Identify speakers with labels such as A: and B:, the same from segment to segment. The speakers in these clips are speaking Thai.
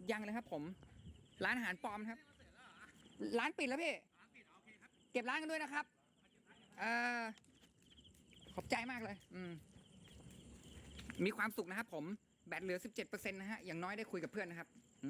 A: ยังเลยครับผม ร้านอาหารปลอมครับ ร้านปิดแล้วพี่เก็บร้านกันด้วยนะครับเออขอบใจมากเลย มีความสุขนะครับผมแบตเหลือ 17%นะฮะอย่างน้อยได้คุยกับเพื่อนนะครับ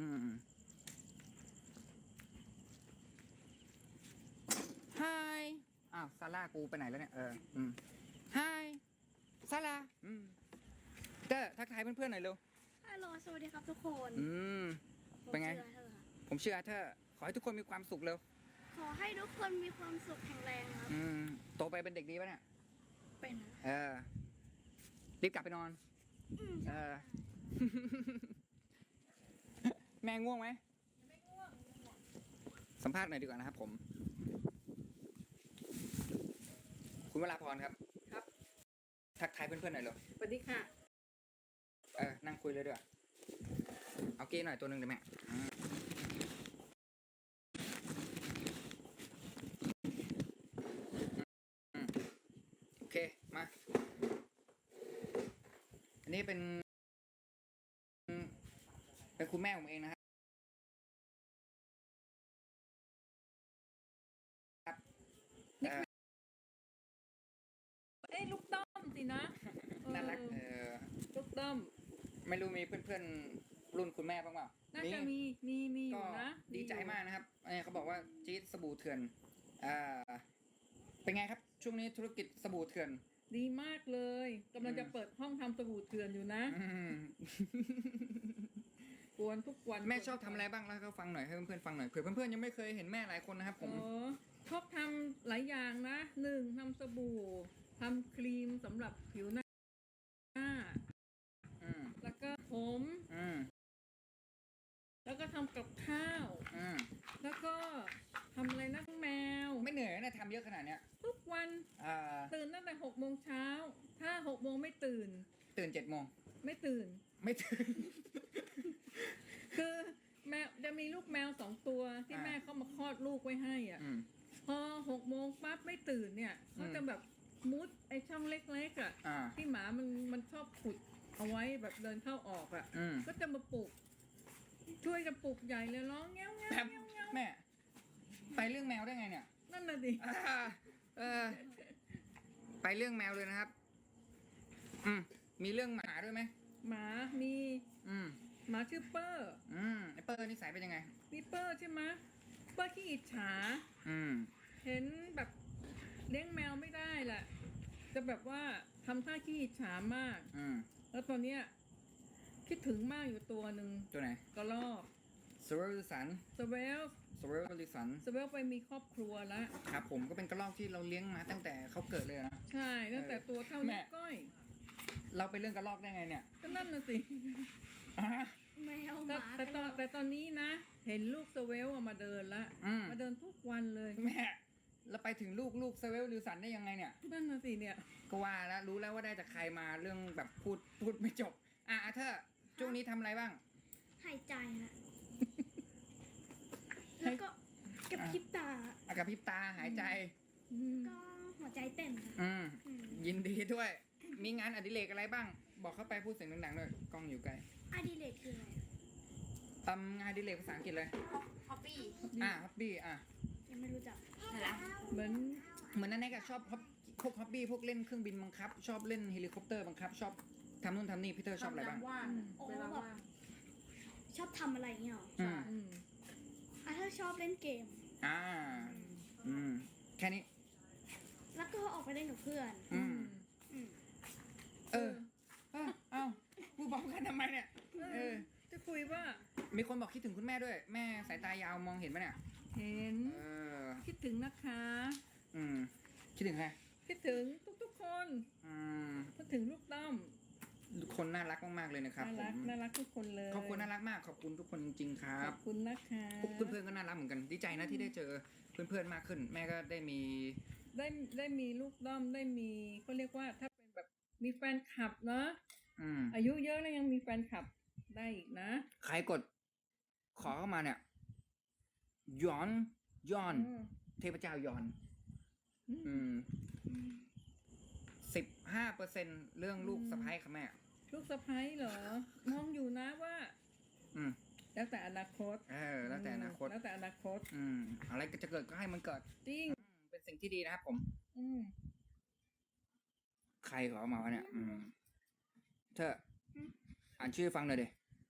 A: Hi อ้าวซาร่ากูไปไหนแล้วเนี่ยHi ซาร่าเตอร์ทักทายเพื่อนๆหน่อยเร็ว
B: ฮัลโหลสวัสดีครับทุกคน
A: เป็นไง
B: ผมชื่ออาเธอร์
A: ผมเชื่อเธอขอให้ทุกคนมีความสุขเร็ว
B: ขอให้ทุกคนมีความสุขแข็งแรงครับ
A: โตไปเป็นเด็กดีป่ะเนี่ย
B: เป็นนะ
A: รีบกลับไปนอน
B: ใช่
A: แม่ง่วงไหม
B: ไม่ง่วง
A: สัมภาษณ์หน่อยดีกว่านะครับผม คุณวราพรครับ
C: ครับ
A: ทักทายเพื่อนๆหน่อยเร็ว
C: สวัสดีค่ะ
A: นั่งคุยเลยดีกว่าเอาเก้หน่อยตัวหนึ่งเดี๋ยวแม่โอเค มา อันนี้เป็นคุณแม่ผมเองนะครับ
C: ลูกต้อมสินะ
A: น่ารัก
C: ลูกต้อม
A: ไม่รู้มีเพื่อนๆรุ่นคุณแม่บ้างเปล่า
C: น่าจะมีอ
A: ก็
C: ยู่นะ
A: ดีใจมากนะครับเขาบอกว่าจี๊ดสบู่เถื่อนเป็นไงครับช่วงนี้ธุรกิจสบู่เถื่อน
C: ดีมากเลยกำลังจะเปิดห้องทำสบู่เถื่อนอยู่นะกวนทุกวัน
A: แม่ชอบทำอะไรบ้างแล้วก็ฟังหน่อยให้เพื่อนๆฟังหน่อยเผื่อเพื่อนๆยังไม่เคยเห็นแม่หลายคนนะครับผม
C: ชอบทำหลายอย่างนะ1ทำสบู่ทำครีมสำหรับผิวหน้าแล้วก็ผมแล้วก็ทำกับข้าวแล้วก็ทำอะไรนะแมว
A: ไม่เหนื่อยนะทำเยอะขนาดเนี้ย
C: ทุกวันตื่นตั้งแต่6 โมงเช้าถ้า6 โมงไม่ตื่น
A: 7 โมง
C: ไม่ตื่น คือแมวจะมีลูกแมว2 ตัวที่แม่เขามาคลอดลูกไว้ให้อ่ะพอ6 โมงปั๊บไม่ตื่นเนี่ยเขาจะแบบมุดไอช่องเล็กๆอ่ะที่หมามันชอบขุดเอาไว้แบบเดินเข้าออกอ่ะก็จะมาปลุกช่วยกันปลุกใหญ่เลยร้องเงี้ยวเงี้ยวเงี้ยว
A: แม่ไปเรื่องแมวได้ไงเนี่ย
C: นั่นน่ะดิ
A: ไปเรื่องแมวเลยนะครับมีเรื่องหมาด้วยไหม
C: หมามีหมาชื่อเปอร์
A: ไอเปอร์นิสัยเป็นยังไง
C: นี่เปอร์ใช่ไหมเปอร์ขี้อิจฉาเห็นแบบเลี้ยงแมวไม่ได้แหละจะแบบว่าทำท่าขี้อิจฉามากแล้วตอนเนี้ยคิดถึงมากอยู่ตัวหนึ่ง
A: ตัวไหน
C: กระรอก
A: สเวลลิสัน
C: สเวล
A: ลิสัน
C: ไปมีครอบครัวแล้ว
A: ครับผมก็เป็นกระรอกที่เราเลี้ยงมาตั้งแต่เขาเกิดเลยนะ
C: ใช่ตั้งแต่ตัวเท่านิ้วก้อย
A: เราไปเรื่องกระรอกได้ไงเนี่ย
C: ก็นั่นน่ะสิ
B: แมวหมา
C: แต่ตอนนี้นะเห็นลูกสเวลมาเดินละมาเดินทุกวันเลย
A: แม่แล้วไปถึงลูกสเวลลิสันได้ยังไงเนี่ย
C: นั่นน่ะสิเนี่ย
A: ก็ว่าแล้วรู้แล้วว่าได้จากใครมาเรื่องแบบพูดไม่จบเธอช่วงนี้ทำอะไรบ้าง
B: หายใจฮะแล้วก็กับพริบตา
A: กับพริบตาหายใจ
B: ก็หัวใจเต้น
A: ยินดีด้วยมีงานอดิเรกอะไรบ้างบอกเข้าไปพูดเสียงดังๆด้วยกล้องอยู่ไกล
B: อดิเรกคืออะไร
A: งานอดิเรกภาษาอังกฤษเลย
B: ฮอบบี้
A: ฮอบบี้
B: ยังไม่รู้จัก
C: เหมื
A: อนนั่นเองชอบพวกฮอบบี้พวกเล่นเครื่องบินบังคับชอบเล่นเฮลิคอปเตอร์บังคับชอบทำนู่นทำนี่พี่เตอร์ชอบอะไรบ้าง
B: เวลาว่างชอบทำอะไรเงี้ยหรอถ้าชอบเล่นเกม
A: แค่นี้
B: แล้วก็ออกไปเล่นกับเพื่อน
A: พูดบอกกันทำไมเนี่ย
C: จะคุยว่า
A: มีคนบอกคิดถึงคุณแม่ด้วยแม่สายตายาวมองเห็นไหมเนี่ย
C: เห็นคิดถึงนะคะ
A: คิดถึงใคร
C: คิดถึงทุกคนคิดถึงลูกต้อม
A: ทุกคนน่ารักมากๆเลยนะครับ
C: น่ารักทุกคนเลย
A: ขอบคุณน่ารักมากขอบคุณทุกคนจริงๆครับ
C: ขอบคุณนะคะ
A: เพื่อนๆก็น่ารักเหมือนกันดีใจนะที่ได้เจอเพื่อนๆมากขึ้นแม่ก็ได้
C: มีลูกด้อมได้มีเขาเรียกว่าถ้าเป็นแบบมีแฟนคลับเนาะอายุเยอะแล้วยังมีแฟนคลับได้อีกนะ
A: ใครกดขอเข้ามาเนี่ยย้อนเทพเจ้าย้อน15%เรื่องลูกสะใภ้ค่ะแม่
C: ลูกสะใภ้เหรอมองอยู่นะว่าแล้วแต่อนาคต
A: แล้วแต่อนาคต
C: แล้วแต่อนาคต
A: อะไรก็จะเกิดก็ให้มันเกิด
C: จริง
A: เป็นสิ่งที่ดีนะครับผม
C: อืม
A: ใครขอมาวะเนี่ย เธออ่านชื่อฟังหน่อยดิ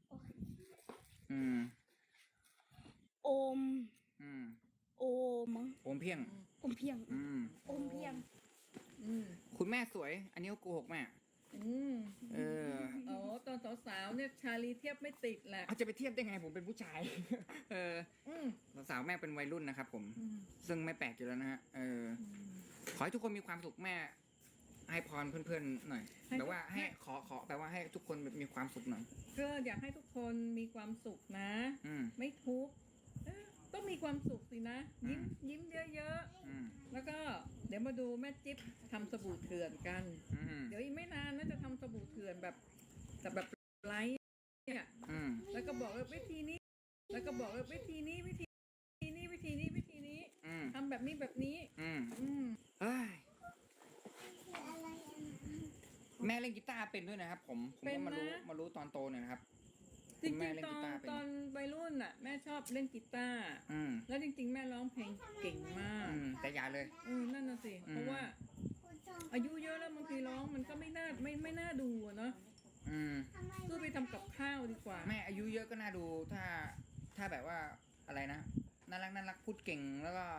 B: โอม โอม
A: โอมเพียง
B: อมเพียง
A: อืม
B: อมเพียง
C: อืม
A: คุณแม่สวย อันนี้ก็โกหกแม่
C: อืม
A: เออ
C: อ๋อตอนสาวๆเนี่ยชาลีเทียบไม่ติดแหละ
A: เอาจะไปเทียบได้ไงผมเป็นผู้ชาย
C: อืม
A: สาวๆแม่เป็นวัยรุ่นนะครับผม
C: อืม
A: ซึ่งไม่แปลกอยู่แล้วนะฮะ ขอให้ทุกคนมีความสุขแม่ ให้พรเพื่อนๆหน่อยแบบว่าให้ขอแปลว่าให้ทุกคนมีความสุขหน่อย
C: ก็อยากให้ทุกคนมีความสุขนะ ไม่ทุกข์ต้องมีความสุขสินะ ยิ้มเยอะๆ แล้วก็เดี๋ยวมาดูแม่จิ๊บทำสบู่เถื่อนกัน เดี๋ยวอีกไม่นานน่าจะทำสบู่เถื่อนแบบไลท์เนี่ย แล้วก็บอกว่าวิธีนี้ แล้วก็บอกว่าวิธีนี้ทำแบบนี้
A: เฮ้ยแม่เล่นกีตาร์เป็นด้วยนะครับ ผมก็มารู้ตอนโตเนี่ยนะครับ
C: จริง
A: แม่เล่น
C: ๆ
A: กีตาร์เป็น
C: ตอนวัยรุ่นน่ะ แม่ชอบเล่นกีตาร์แล้วจริงๆ แม่ร้องเพลงเก่งมาก
A: แต่อย่าเลย
C: นั่นน่ะสิ เพราะว่า อายุเยอะแล้วบางทีร้องมันก็ไม่น่าดูอะเนาะสู้ไปทำกับข้าวดีกว่า
A: แม่อายุเยอะก็น่าดูถ้าแบบว่าอะไรนะน่ารักพูดเก่งแล้วก็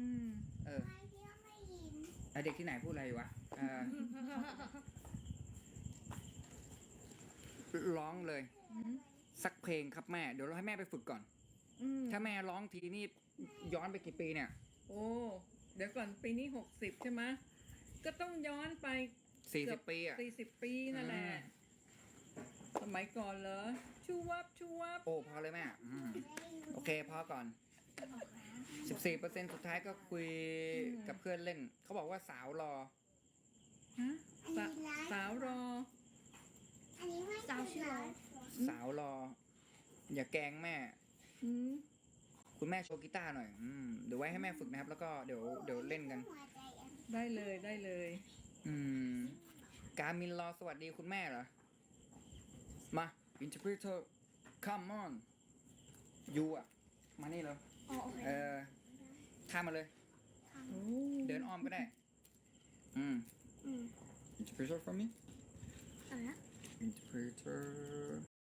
A: เด็กที่ไหนพูดอะไรวะร้องเลย สักเพลงครับแม่เดี๋ยวเราให้แม่ไปฝึกก่อนถ้าแม่ร้องทีนี่ย้อนไปกี่ปีเนี่ย
C: โอ้เดี๋ยวก่อนปีนี้60ใช่ไหมก็ต้องย้อนไป
A: 40 ปีอ่ะ
C: 40 ปีนั่นแหละสมัยก่อนเหรอชูวับ
A: โอ้พอเลยแม่โอเคพอก่อน 14% สุดท้ายก็คุยกับเพื่อนเล่นเขาบอกว่าสาวรอ
C: ฮะสาวรอ
B: สาวชื่ออะไร
A: สาวรอ อย่าแกล้งแม่ คุณแม่โชว์กีตาร์หน่อยเดี๋ยวไว้ให้แม่ฝึกนะครับ แล้วก็เดี๋ยวเล่นกัน
C: ได้เลย
A: การมินรอสวัสดีคุณแม่เหรอ มา interpreter come on ยูอ่ะ มานี่เลย
B: อ๋อโอเค
A: ข้ามมาเลย เดินอ้อมก็ได้ interpreter for me
B: อะไรนะ
A: interpreter